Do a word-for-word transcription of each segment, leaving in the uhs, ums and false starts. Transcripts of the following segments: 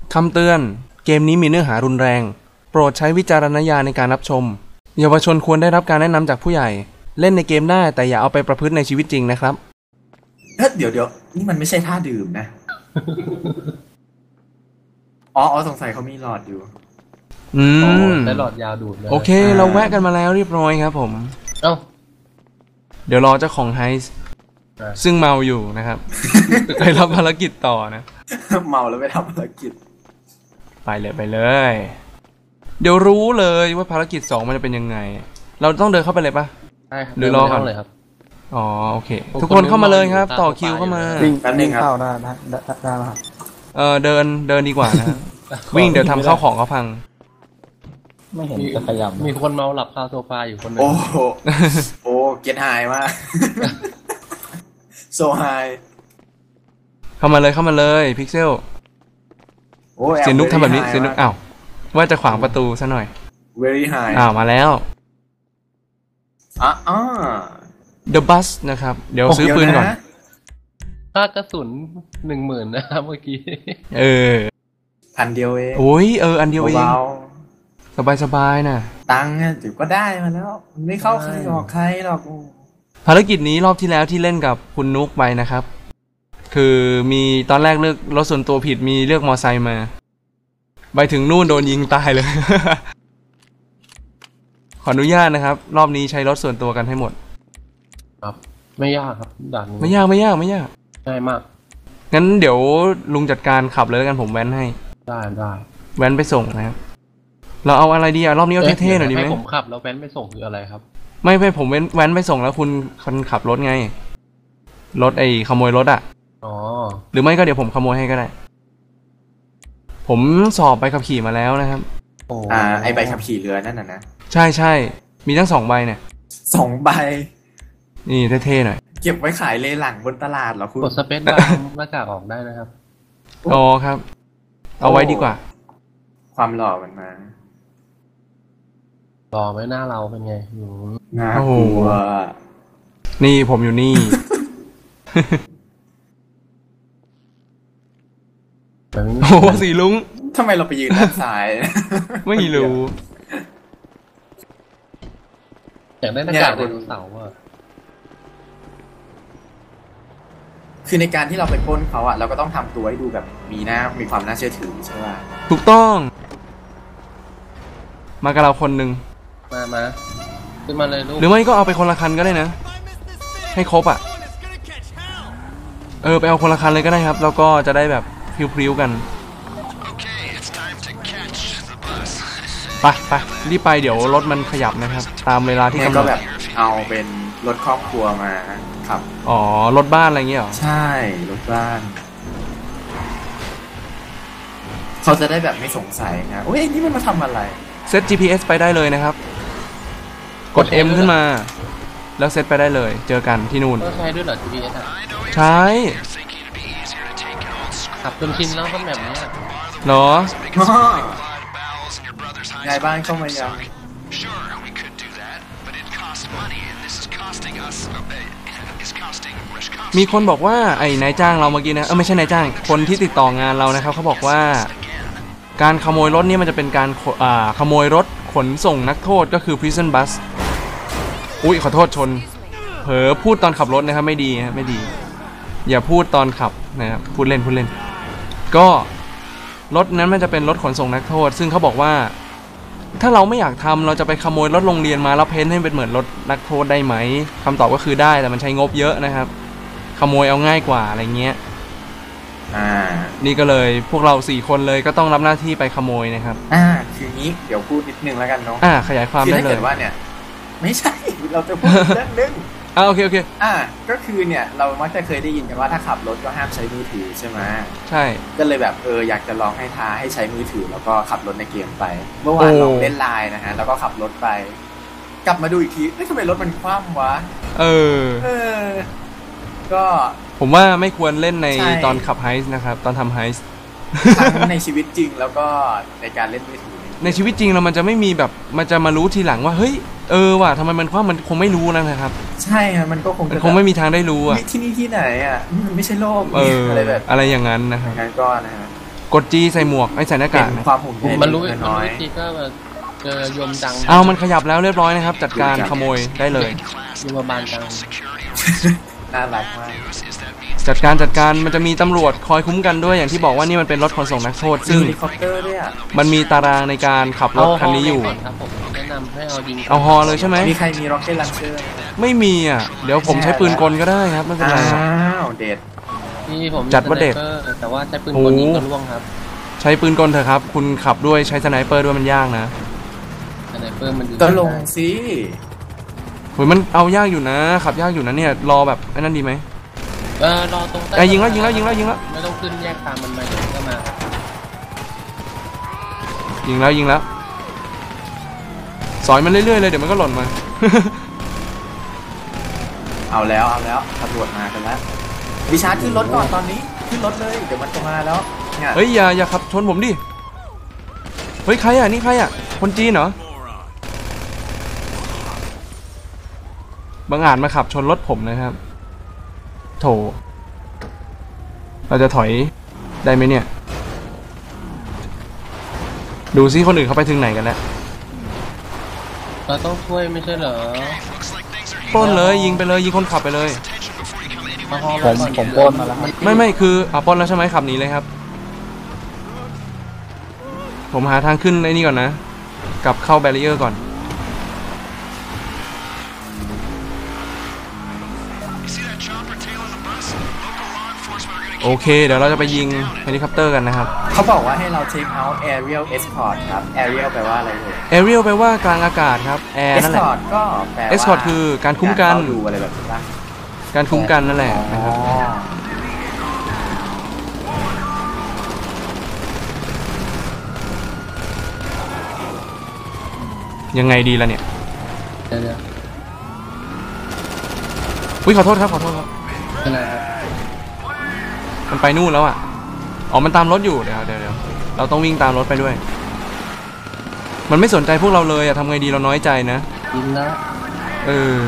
คำเตือนเกมนี้มีเนื้อหารุนแรงโปรดใช้วิจารณญาณในการรับชมเยาวชนควรได้รับการแนะนำจากผู้ใหญ่เล่นในเกมได้แต่อย่าเอาไปประพฤติในชีวิตจริงนะครับเดี๋ยวเดี๋ยวนี่มันไม่ใช่ท่าดื่มนะ อ๋ออ๋อสงสัยเขามีหลอดอยู่อืมได้หลอดยาวดูดเลยโอเคเราแวะกันมาแล้วเรียบร้อยครับผมเอ้าเดี๋ยวรอเจ้าของไฮส์ซึ่งเมาอยู่นะครับไปรับภารกิจต่อนะเมาแล้วไปทำภารกิจไปเลยไปเลยเดี๋ยวรู้เลยว่าภารกิจสองมันจะเป็นยังไงเราต้องเดินเข้าไปเลยปะใช่ครับหรือรอก่อนเลยครับอ๋อโอเคทุกคนเข้ามาเลยครับต่อคิวเข้ามาวิ่งวิ่งเข้าได้ได้ได้ไหมครับเออเดินเดินดีกว่านะวิ่งเดี๋ยวทำข้าวของเขาพังไม่เห็นจะขยับมีคนเมาหลับคาโซฟาอยู่คนนึงโอ้โหโอ้เก็ตไฮมากโซไฮเข้ามาเลยเข้ามาเลยพิกเซลเสียนุกทำแบบนี้เสียนุกอ้าวว่าจะขวางประตูซะหน่อย very high อ้าวมาแล้วอ่ะอ่า The Bus นะครับเดี๋ยวซื้อปืนก่อนค่ากระสุนหนึ่งหมื่นนะครับเมื่อกี้เออพันเดียวเองโอ้ยเอออันเดียวเองสบายสบายนะตังค์ถือก็ได้มาแล้วไม่เข้าใครหรอกใครหรอกภารกิจนี้รอบที่แล้วที่เล่นกับคุณนุกไปนะครับคือมีตอนแรกเลือกรถส่วนตัวผิดมีเลือกมอไซค์มาไปถึงนู่นโดนยิงตายเลย ขออนุญาตนะครับรอบนี้ใช้รถส่วนตัวกันให้หมดครับไม่ยากครับด่านนี้ไม่ยากไม่ยากไม่ยากง่ายมากงั้นเดี๋ยวลุงจัดการขับเลยแล้วกันผมแว้นให้ได้ได้แว้นไปส่งนะครับเราเอาอะไรดีอะรอบนี้เอาเท่ๆหน่อยดีไหมให้ผมขับแล้วแว้นไปส่งคืออะไรครับไม่ไม่ผมแว้นแว้นไปส่งแล้วคุณคนขับรถไงรถไอ้ขโมยรถอะอ๋อหรือไม่ก็เดี๋ยวผมขโมยให้ก็ได้ผมสอบใบขับขี่มาแล้วนะครับอ่าไอใบขับขี่เรือนั่นน่ะนะใช่ใช่มีทั้งสองใบเนี่ยสองใบนี่เท่ๆหน่อยเก็บไว้ขายเลหลังบนตลาดเหรอคุณกดสเปซบาร์หน้ากากออกได้นะครับอ๋อครับเอาไว้ดีกว่าความหล่อมันมาหล่อไหมหน้าเราเป็นไงน่ากลัวนี่ผมอยู่นี่โอ้สีลุงทำไมเราไปยืนด้านซ้ายไม่รู้อยากได้หน้ากากไดโนเสาร์อ่ะคือในการที่เราไปปล้นเขาอ่ะเราก็ต้องทำตัวให้ดูแบบมีหน้ามีความน่าเชื่อถือใช่ป่ะถูกต้องมากับเราคนหนึ่งมามาขึ้นมาเลยลูกหรือไม่ก็เอาไปคนละคันก็ได้นะให้ครบอ่ะเออไปเอาคนละคันเลยก็ได้ครับแล้วก็จะได้แบบพริ้วๆกันไปไปรีบไปเดี๋ยวรถมันขยับนะครับตามเวลาที่กำหนดก็แบบเอาเป็นรถครอบครัวมาครับอ๋อรถบ้านอะไรเงี้ยหรอใช่รถบ้านเขาจะได้แบบไม่สงสัยนะโอ้ยนี่มันมาทำอะไรเซต จี พี เอส ไปได้เลยนะครับกด M ขึ้นมาแล้วเซตไปได้เลยเจอกันที่นู่นใช้ด้วยเหรอ จี พี เอส อ่ะใช้ขับจนชินแล้วก็แบบนี้เหรอไงบ้านเข้ามายังมีคนบอกว่าไอ้นายจ้างเราเมื่อกี้นะเออไม่ใช่นายจ้างคนที่ติดต่องานเรานะครับเขาบอกว่าการขโมยรถนี่มันจะเป็นการอ่าขโมยรถขนส่งนักโทษก็คือ prison bus อุ๊ยขอโทษชนเผลอพูดตอนขับรถนะครับไม่ดีนะไม่ดีอย่าพูดตอนขับนะครับพูดเล่นพูดเล่นก็รถนั้นมันจะเป็นรถขนส่งนักโทษซึ่งเขาบอกว่าถ้าเราไม่อยากทำเราจะไปขโมยรถโรงเรียนมาแล้วเพ้นให้เป็นเหมือนรถนักโทษได้ไหมคำตอบก็คือได้แต่มันใช้งบเยอะนะครับขโมยเอาง่ายกว่าอะไรเงี้ยอ่านี่ก็เลยพวกเราสี่คนเลยก็ต้องรับหน้าที่ไปขโมยนะครับอ่าคืองี้เดี๋ยวพูดนิดนึงแล้วกันเนาะอ่าขยายความได้เลยคือถ้าเกิดว่าเนี่ยไม่ใช่เราจะพูดเรื่องนึงอ่าโอเคโอเคอ่าก็คือเนี่ยเรามักจะเคยได้ยินกันว่าถ้าขับรถก็ห้ามใช้มือถือใช่ไหมใช่ก็เลยแบบเอออยากจะลองให้ท้าให้ใช้มือถือแล้วก็ขับรถในเกมไปเมื่อวานลองเล่นไลน์นะฮะแล้วก็ขับรถไปกลับมาดูอีกทีเฮ้ยทำไมรถมันคว่ำวะเออเออก็ผมว่าไม่ควรเล่นในตอนขับไฮส์นะครับตอนทำไฮส์ทั้งในชีวิตจริงแล้วก็ในการเล่นมือถือในชีวิตจริงเรามันจะไม่มีแบบมันจะมารู้ทีหลังว่าเฮ้ยเออว่ะทำไมมันคว่ำมันคงไม่รู้นะครับใช่ครับมันก็คงมันคงไม่มีทางได้รู้อ่ะที่นี่ที่ไหนอ่ะมันไม่ใช่โลกอะไรแบบอะไรอย่างนั้นนะครับงั้นก็นะฮะกด G ใส่หมวกไอ้ใส่หน้าเป็กากนนะความห่วงใยมันรู้มันน้รู้อยวิธีก็แบบเจอยมจังเอามันขยับแล้วเรียบร้อยนะครับ จัดการขโมยได้เลยยมบาลจังๆน่ารักมากจัดการจัดการมันจะมีตำรวจคอยคุ้มกันด้วยอย่างที่บอกว่านี่มันเป็นรถขนส่งนักโทษ ซึ่งเฮลิคอปเตอร์ด้วยอ่ะมันมีตารางในการขับรถคันนี้อยู่เาฮก่อนครับผมแนะนำให้เอายิงเอาฮอเลยใช่ไหมมีใครมีร็อกเก็ตลันเชอร์ไม่มีอ่ะเดี๋ยวผมใช้ปืนกลก็ได้ครับไม่เป็นไรอ้าวเด็ดนี่ผมจัดว่าเด็ดสไนปอร์แต่ว่าใช้ปืนโอ้กลยิงก็ร่วงครับใช้ปืนกลเถอะครับคุณขับด้วยใช้สไนเปอร์ด้วยมันยากนะสไนเปอร์มันยิงก็ลงสิโหยมันเอายากอยู่นะขับยากอยู่นะเนี่ยรอแบบไอ้นั่นดีไหมเออรอตรงใต้ไอ้ยิงแล้วยิงแล้วยิงแล้วยิงแล้วไม่ต้องขึ้นแยกตามมันมาเดี๋ยวมันก็มายิงแล้วยิงแล้วสอยมันเรื่อยๆเลยเดี๋ยวมันก็หล่นมาเอาแล้วเอาแล้วตำรวจมากันแล้ววิชาร์ดขึ้นรถก่อนตอนนี้ขึ้นรถเลยเดี๋ยวมันจะมาแล้วเนี่ยเฮ้ยอย่าอย่าขับชนผมดิเฮ้ยใครอ่ะนี่ใครอ่ะคนจีนเหรอบังอาจมาขับชนรถผมนะครับโถเราจะถอยได้ไหมเนี่ยดูซิคนอื่นเขาไปถึงไหนกันแล้วเราต้องช่วยไม่ใช่เหรอปล้นเลยยิงไปเลยยิงคนขับไปเลยเอาฮอผมก่อนผมปล้นมาแล้วครับไม่ไม่คืออ่ะปล้นแล้วใช่ไหมขับหนีเลยครับผมหาทางขึ้นไอ้นี่ก่อนนะกลับเข้าแบรีเออร์ก่อนโอเคเดี๋ยวเราจะไปยิงเฮลิคอปเตอร์กันนะครับเขาบอกว่าให้เรา take out aerial escort ครับ aerial แปลว่าอะไรเลยแอเรียลแปลว่ากลางอากาศครับแอร์นั่นแหละ escort ก็แปลว่า escort คือการคุ้มกันารเฝ้าดูอะไรแบบนี้ป่ะการคุ้มกันนั่นแหละนะครับอ๋อยังไงดีล่ะเนี่ยเดี๋ยวเดี๋ยวอุ้ยขอโทษครับขอโทษครับเป็นไรครับมันไปนู่นแล้วอ่ะอ๋อมันตามรถอยู่เดี๋ยวเดี๋ยวเดี๋ยวเราต้องวิ่งตามรถไปด้วย มันไม่สนใจพวกเราเลยอะทำไงดีเราน้อยใจนะยิงแล้วเออ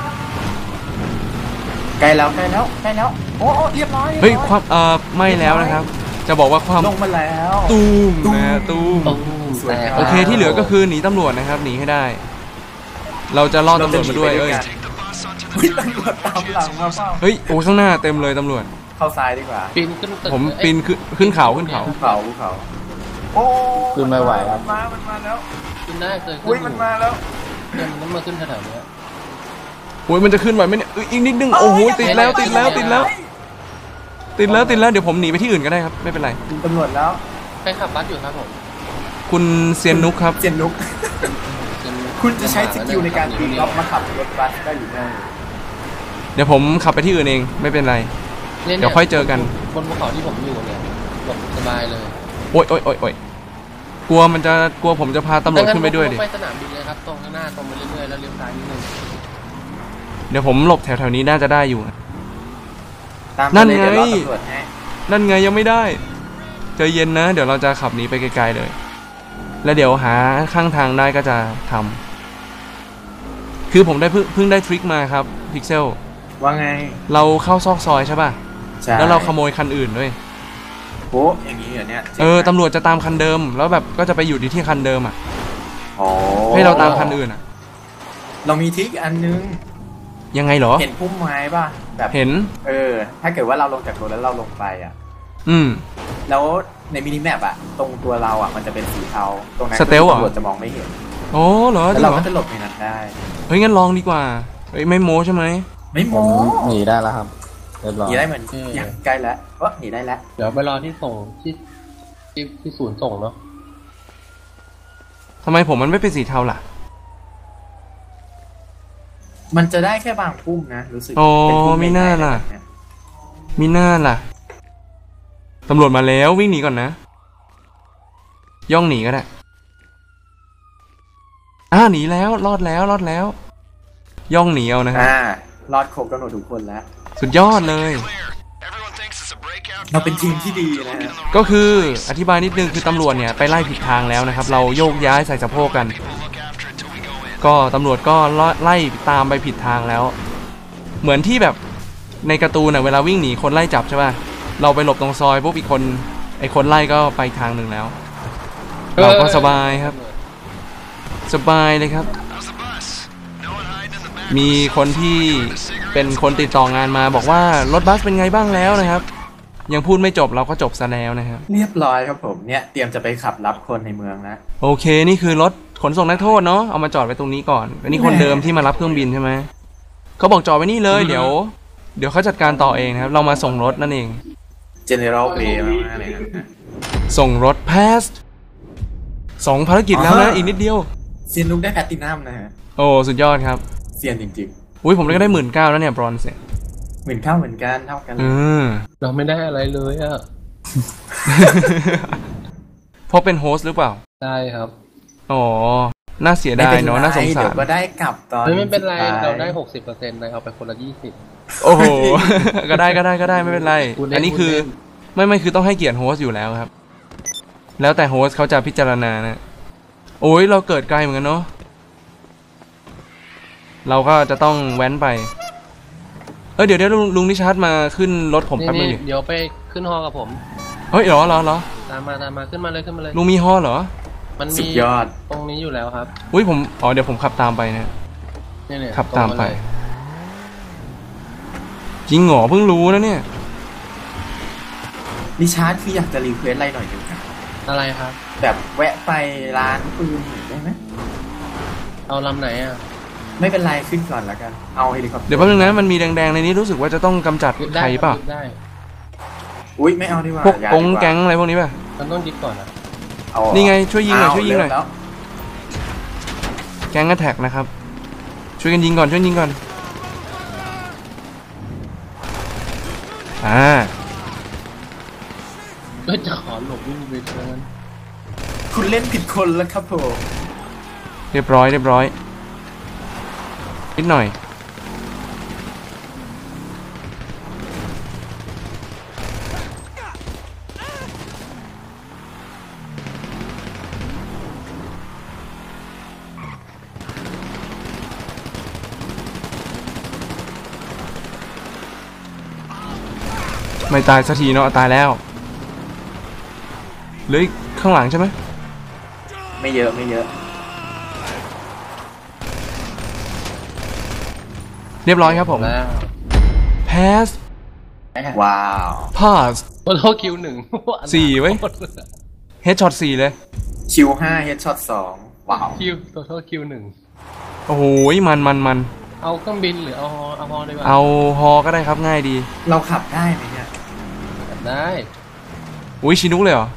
ใกล้แล้วใกล้แล้วใกล้แล้วโอ้โอ้เรียบร้อยเฮ้ยความเอ่อไม่แล้วนะครับ จะบอกว่าความลงมาแล้วตูมนะตูมตุ้มสวยแตกงามโอเคที่เหลือก็คือหนีตำรวจนะครับหนีให้ได้ เราจะล่อตำรวจมาด้วยเอ้ยเฮ้ยตำรวจตามหลังมาเปล่าเฮ้ยโอ้ข้างหน้าเต็มเลยตำรวจเข้าซ้ายดีกว่าปีนขึ้นตึกผมเอ้ยปีนขึ้นขึ้นเขาขึ้นเขาภูเขาภูเขาโอ้ขึ้นไม่ไหวครับมันมามันมาแล้วขึ้นได้เคยขึ้นอุ้ยมันมาแล้วเนี่ยมันต้องมาขึ้นแถวๆเนี้ยโอ้ยมันจะขึ้นไหวไหมเนี่ยเอ้ยอีกนิดนึงโอ้โหติดแล้วติดแล้วติดแล้ว ติดแล้วติดแล้วเดี๋ยวผมหนีไปที่อื่นก็ได้ครับไม่เป็นไรถึงตำรวจแล้วใครขับบัสอยู่ครับผมคุณเซียนนุกครับเจนนุกเป็นคุณจะใช้สกิลในการปีนล็อกมาขับรถบัสได้หรือไม่เดี๋ยวผมขับไปที่อื่นเองไม่เป็นไร เดี๋ยวค่อยเจอกันบนภูเขาที่ผมอยู่เนี่ยหลบสบายเลยโอ๊ยโอ๊ยโอ๊ยโอ๊ยกลัวมันจะกลัวผมจะพาตำรวจขึ้นไปด้วยดิงั้นผมไปสนามบินเลยครับตรงข้างหน้าตรงไปเรื่อยๆแล้วเลี้ยวซ้ายนิดนึงเดี๋ยวผมหลบแถวๆนี้น่าจะได้อยู่ตามนั่มาน เลยไงเดี๋ยวรอตำรวจให้นั่นไงยังไม่ได้ใจเย็นนะ เดี๋ยวเราจะขับหนีไปไกลๆเลย แล้วเดี๋ยวหาข้างทางได้ก็จะทำคือผมได้เพิ่งเพิ่งได้ทริคมาครับพิกเซลว่าไงเราเข้าซอกซอยใช่ป่ะใช่แล้วเราขโมยคันอื่นด้วยโอ้อย่างนี้เหรอเนี่ยเออตำรวจจะตามคันเดิม แล้วแบบก็จะไปอยู่ที่คันเดิมอ่ะโอ้ให้เราตามคันอื่นอ่ะเรามีทริคอันนึงยังไงเหรอเห็นพุ่มไม้ป่ะแบบเห็นเออ ถ้าเกิดว่าเราลงจากรถแล้วเราลงไปอ่ะอืมแล้วในมินิแมปอ่ะ ตรงตัวเราอ่ะมันจะเป็นสีเทาตรงนั้นสเตลเหรอตำรวจจะมองไม่เห็นโอ้เหรอจแล้ริวงเราเหรอก็จะหลบในนั้นได้เฮ้ยงั้นลองดีกว่าเฮ้ยไม่โม้ใช่ไหมไม่ผโม้มหนีได้แล้วครับเรียบร้อยหนีได้เหมือนอย่างใกล้แล้วเออหนีได้แล้วเดี๋ยวไปรอที่ส่งที่ที่ที่ศูนย์ส่งเนาะทำไมผมมันไม่เป็นสีเทาล่ะมันจะได้แค่บางพุ่มนะรู้สึกโอ้เป็นพุ่มีหน้าล่ะแบบเยมีหน้าล่ะตำรวจมาแล้ววิ่งหนีก่อนนะ ย่องหนีก็ได้อ่าหนีแล้วรอดแล้วรอดแล้ว ย่องหนีเอานะครับอ่ารอดครบกำหนดทุกคนแล้วสุดยอดเลยเราเป็นทีมที่ดีนะฮะก็คืออธิบายนิดนึงคือตำรวจเนี่ยไปไล่ผิดทางแล้วนะครับ เราโยกย้ายใส่สะโพกกัน ก็ตำรวจก็ไล่ตามไปผิดทางแล้ว เหมือนที่แบบในการ์ตูนน่ะเวลาวิ่งหนีคนไล่จับใช่ป่ะเราไปหลบตรงซอยปุ๊บอีกคนไออ้คนไล่ก็ไปทางหนึ่งแล้ว เราก็สบายครับ สบายเลยครับ มีคนที่เป็นคนติดต่องานมาบอกว่ารถบัสเป็นไงบ้างแล้วนะครับ ยังพูดไม่จบเราก็จบซะแล้วนะครับเรียบร้อยครับผมเนี่ยเตรียมจะไปขับรับคนในเมืองแล้วโอเคนี่คือรถขนส่งนักโทษเนาะเอามาจอดไว้ตรงนี้ก่อนอันนี้คนเดิมที่มารับเครื่องบินใช่ไหมเขาบอกจอดไว้นี่เลยเดี๋ยวเดี๋ยวเขาจัดการต่อเองนะครับเรามาส่งรถนั่นเอง General Play มากๆเลยครับส่งรถ pass สองภารกิจแล้วนะอีกนิดเดียวเซียนลุกได้แพลตตินัมนะฮะโอ้สุดยอดครับเซียนจริงอุ้ยผมก็ได้หมื่นเก้าแล้วเนี่ยบรอนซ์เนี่ยๆเหมือนเข้าเหมือนกันเท่ากันเลอืยมเราไม่ได้อะไรเลยอ่ะเพราะเป็นโฮสต์หรือเปล่าใช่ครับอ๋อน่าเสียดายเนาะน่าสงสาเดี๋ยรวก็ได้กลับตอนไม่ไม่เป็นไรสุดท้ยเราได้หกสิบเปอร์เซ็นต์เลยเอาไปคนละยี่สิบโอ้โห ก็ได้ก็ได้ก็ได้ไม่เป็นไรพูดเล่นอันนี้คือพูดเล่นไม่ไม่คือต้องให้เกียรติโฮสต์อยู่แล้วครับ แล้วแต่โฮสต์เขาจะพิจารณานะโอ้ยเราเกิดไกลเหมือนกันเนาะเราก็จะต้องแว้นไปเอ้ยเดี๋ยวเดี๋ยวลุงลุงนิชาร์ดมาขึ้นรถผมนี่แป๊บนึงนี่ดิเดี๋ยวไปขึ้นฮอกับผมเฮ้ยเหรอเหรอเหรอตามมาตามมาขึ้นมาเลยขึ้นมาเลยลุงมีฮอเหรอมันสุมีดยอดตรงนี้อยู่แล้วครับอุ้ยผมอ๋อเดี๋ยวผมขับตามไปนะเนี่ยเนี่ยขับตามไปรงเลยจริงเหรอเพิ่งรู้นะเนี่ยดิชาร์ดคืออยากจะรีเควสอะไรหน่อยหนึงครับอะไรครับแบบแวะไปร้านปืนหน่อยได้ไหมเอาลำไหนอ่ะไม่เป็นไรขึ้นก่อนแล้วกันเอาเฮลิคอปเตอร์เดี๋ยวแป๊บนึงนะมันมีแดงๆในนี้รู้สึกว่าจะต้องกำจัดยึดใคได้รเปล่ายึดได้อุ้ยไม่เอาดีกว่าพวกอย่ากงดีว่าแก๊งอะไรพวกนี้ป่ะมันต้องยึดก่อนนะเอานี่ไงช่วยยิงหน่อยช่วยยิงหน่อยเาเริ่มแล้วแก๊งแท็กนะครับช่วยกันยิงก่อนช่วยยิงก่อนอ่าเฮ้ยจะขอหลบวิ่งไปเชิญคุณเล่นผิดคนแล้วครับผมเรียบร้อยเรียบร้อยนิดหน่อยไม่ตายสักทีเนาะตายแล้วเหลืออีกข้างหลังใช่ไหมไม่เยอะไม่เยอะเรียบร้อยครับผมแล้ว pass ว้าว pass โอ้โหคิวหนึ่งสี่เว้ย headshot สี่เลยคิวห้าเฮดช็อตสองว้าวคิวตัวโทษคิวหนึ่งโอ้โหมันมันมันเอาเครื่องบินหรือเอาฮอเอาฮอดีกว่าเอาฮอก็ได้ครับง่ายดีเราขับได้ไหมเนี่ยได้อุ้ยชินุกเลยเหรอ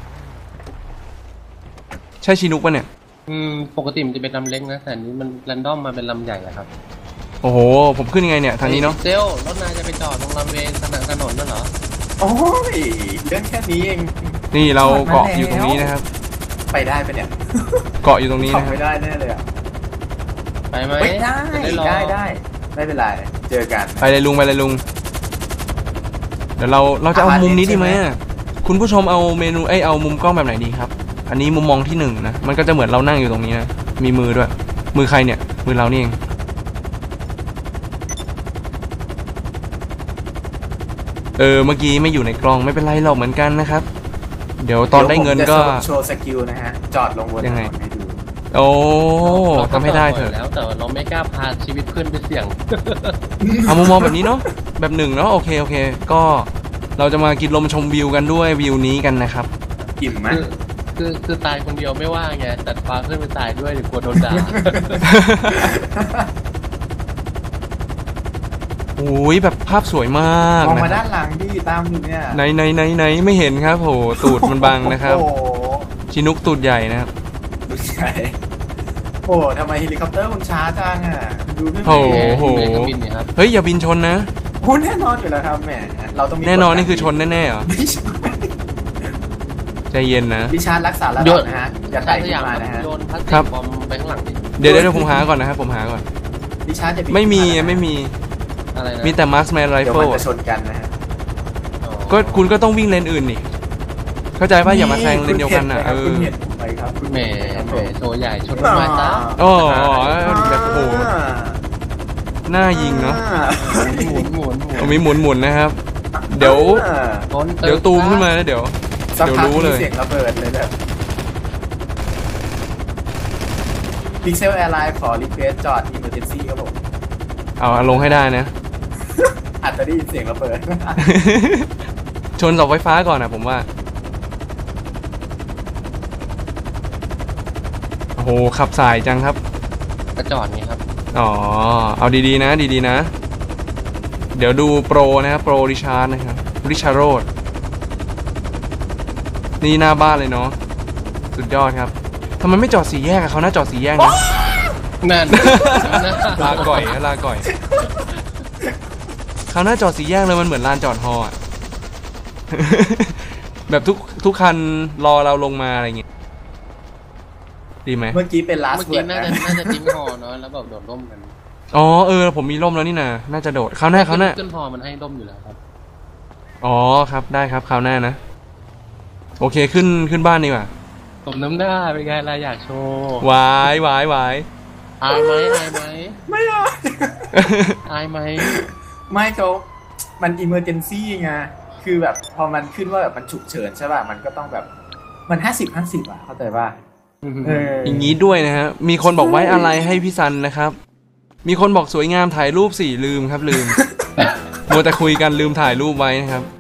ใช่ชินุกปะเนี่ยอืมปกติมันจะเป็นลำเล็กนะแต่อันนี้มันแรนดอมมาเป็นลำใหญ่อะครับโอ้โห ผมขึ้นยังไงเนี่ย ทางนี้เนาะเซลรถนายจะไปจอดตรงลำเวย์ถนนถนนนั่นเหรอโอ้ยเรื่องแค่นี้เองนี่เราจอดมาเกาะอยู่ตรงนี้แล้วนะครับไปได้ปะเนี่ยเกาะอยู่ตรงนี้ขับนะครับไม่ได้แน่เลยอ่ะไปไหมไม่ได้จะรอได้ได้ไม่เป็นไรเจอกันไปเลยลุงไปเลยลุง เดี๋ยวเราเราจะเอามุมนี้ดีไหมอะคุณผู้ชมเอาเมนูเอ้ยเอามุมกล้องแบบไหนดีครับ อันนี้มุมมองที่หนึ่งนะ มันก็จะเหมือนเรานั่งอยู่ตรงนี้นะ มีมือด้วย มือใครเนี่ย มือเรานี่เอง เออ เมื่อกี้ไม่อยู่ในกล้องไม่เป็นไรหรอกเหมือนกันนะครับ เดี๋ยวตอนได้เงินก็ดี๋ยวผมจะโชว์สกิลนะฮะ จอดลงบนถยังนไงนให้ดูโอ้เราทำให้ได้เถอะแล้วแต่เราไม่กล้าพาชีวิตเพื่อนไปเสี่ยงเอามุมมองแบบนี้เนาะแบบหนึ่งเนาะโอเคโอเค ก็เราจะมากินลมชมวิวกันด้วยวิวนี้กันนะครับอิ่มไหมคือคือคือตายคนเดียวไม่ว่าไงแต่พาเพื่อนไปตายด้วยเดี๋ยวกลัวโดนด่าโอ้ยแบบภาพสวยมากมองนะมาครัด้าบนหลังดิตามอยู่เนี่ยไหนไหนไหนไหนไม่เห็นครับโหตูดมันบังนะครับโอ้โหชินุกตูดใหญ่นะครับดูใช่โอ้โหทำไมเฮลิคอปเตอร์มันช้าจังอ่ะดูไม่โอ้เหโหมือนเครื่องบินนี่ครับเฮ้ยอย่าบินชนนะโอ้แน่นอนอยู่แล้วครับแหมเราต้องมีแน่นอนกฎนี่คือชนแน่ๆเหรอไม่ใช่ใจเย็นนะดิชาร์ดรักษาระโยดับนนะฮะอย่าใช้ไต่สขึ้ยาน มมานะฮะโยนพลาสติครับกบอมไปข้างหลังดิเดี๋ยวเดี๋ยวผมหาก่อนนะครับผมหาก่อนดิชาร์ดจะบินไม่มีขึ้นานะไม่มีอะไรนะมีแต่มาร์สแมนไรเดี๋ยวเฟิมันลจะชนกันนะฮะอ๋อก็คุณก็ต้องวิ่งเลนอื่นนี่เข้าใจป่ะอย่ามาแซงเลนเดียวกันนะเอคุณอเห็นผมไหมครับคุณแหมเห็นแหผม มโชว์ใหญ่ชนต้นไม้ซะโอ้แบบโอ้โหหน้ายิงเนาะหมุนหมุนหมุนมีหมุนหมุนๆนะครับ เดี๋ยวอ่าชนตึกเดี๋ยวตูมขึ้นมาแล้วเดี๋ยวสักเดี๋ยวพักรู้เลมียเสียงระเบิดเลยแบบพิกเซลแอร์ไลน์ขอรีเควสจอด Emergency ครับผมเอาลงให้ได้นะอาจจะได้ยินเสียงระเบิดชนเสาไฟฟ้าก่อนนะผมว่า โอ้โหขับสายจังครับกระจอดไงครับอ๋อ เอาดีๆนะดีๆนะ เดี๋ยวดูโปรนะครับโปรริชาร์ดนะครับริชาร์โรดนี่หน้าบ้านเลยเนาะสุดยอดครับทำไมไม่จอดสี่แยกอะเขาน่าจอดสี่แยกนะนั่นลาก่อยนะลาก่อยเขาน่าจอดสี่แยกเลยมันเหมือนลานจอดฮออะ แบบทุกทุกคันรอเราลงมาอะไรอย่างเงี้ยดีไหมเมื่อกี้เป็น last เมื่อกี้ word น่านะจะน่าจะทิ้งหอเนาะแล้วแบบโดดร่มกันอ๋อเออผมมีร่มแล้วนี่นะน่าจะโดดคราวหน้าคราวหน้าขึ้นหอมันให้ร่มอยู่แล้วครับอ๋อครับได้ครับคราวหน้านะโอเคขึ้นขึ้นบ้านดีกว่าสมน้ำหน้าเป็นไงล่ะอยากโชว์วายวายวายอายไหมอายไหมไม่เอาอายไหมไม่เขามัน emergency ไงคือแบบพอมันขึ้นว่าแบบมันฉุกเฉินใช่ป่ะมันก็ต้องแบบมันห้าสิบห้าสิบอ่ะเข้าใจป่ะเอออย่างนี้ด้วยนะฮะมีคนบอกไว้อะไรให้พี่ซันนะครับมีคนบอกสวยงามถ่ายรูปสี่ลืมครับลืม มัวแต่คุยกันลืมถ่ายรูปไว้นะครับ